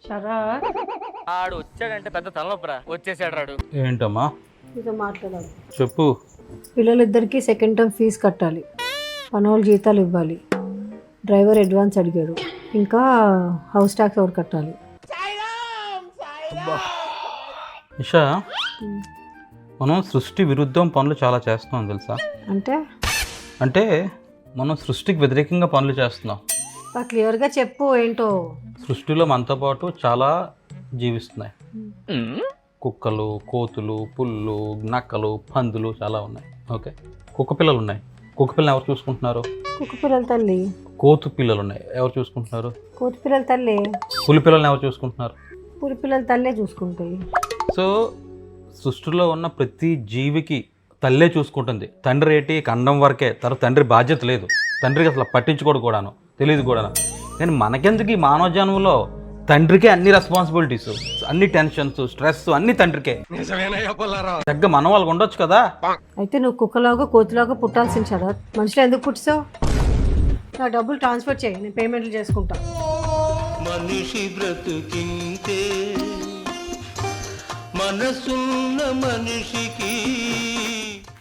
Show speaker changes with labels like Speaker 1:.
Speaker 1: శరత్
Speaker 2: ఆడు వచ్చాడంటే పెద్ద తలనొప్పరా. వచ్చేసాడు రాడు.
Speaker 3: ఏంటమ్మా
Speaker 1: మీతో మాట్లాడాలి.
Speaker 3: చెప్పు.
Speaker 1: పిల్లలిద్దరికి సెకండ్ టర్మ్ ఫీజు కట్టాలి, పనోళ్ళు జీతాలు ఇవ్వాలి, డ్రైవర్ అడ్వాన్స్ అడిగాడు, ఇంకా హౌస్ ట్యాక్స్ ఎవరు కట్టాలి?
Speaker 3: ఇషా, మనం సృష్టి విరుద్ధం పనులు చాలా చేస్తున్నాం తెలుసా? అంటే మనం సృష్టికి వ్యతిరేకంగా పనులు చేస్తున్నాం.
Speaker 1: క్లియర్గా చెప్పు ఏంటో.
Speaker 3: సృష్టిలో మనతో పాటు చాలా జీవిస్తున్నాయి. కుక్కలు, కోతులు, పుల్లు, నక్కలు, పందులు చాలా ఉన్నాయి. ఓకే, కుక్క పిల్లలు ఉన్నాయి. కుక్క పిల్లలు ఎవరు చూసుకుంటున్నారు?
Speaker 1: కుక్క పిల్లల తల్లి.
Speaker 3: కోతు పిల్లలు ఉన్నాయి, ఎవరు చూసుకుంటున్నారు?
Speaker 1: కోతి పిల్లల తల్లి.
Speaker 3: పులి పిల్లల్ని ఎవరు చూసుకుంటున్నారు?
Speaker 1: పులి పిల్లల తల్లే చూసుకుంటాయి.
Speaker 3: సో సృష్టిలో ఉన్న ప్రతి జీవికి తల్లే చూసుకుంటుంది. తండ్రి ఏంటి కండం వరకే, తర్వాత తండ్రి బాధ్యత లేదు. తండ్రికి అసలు పట్టించుకోడు కూడాను, తెలియదు కూడాను. కానీ మనకెందుకు ఈ మానవ జన్మలో తండ్రికే అన్ని రెస్పాన్సిబిలిటీస్, అన్ని టెన్షన్స్, స్ట్రెస్ అన్ని తండ్రికే. దగ్గర మన వాళ్ళకి ఉండొచ్చు కదా.
Speaker 1: అయితే నువ్వు కుక్కలాగా కోతిలాగా పుట్టాల్సిన శరత్. మనుషులు ఎందుకు పుట్టిస్తావు? నా డబ్బులు ట్రాన్స్ఫర్ చేయి, నేను పేమెంట్లు చేసుకుంటా.
Speaker 4: మనిషి బ్రతుకింతే మనసున్న మనిషికి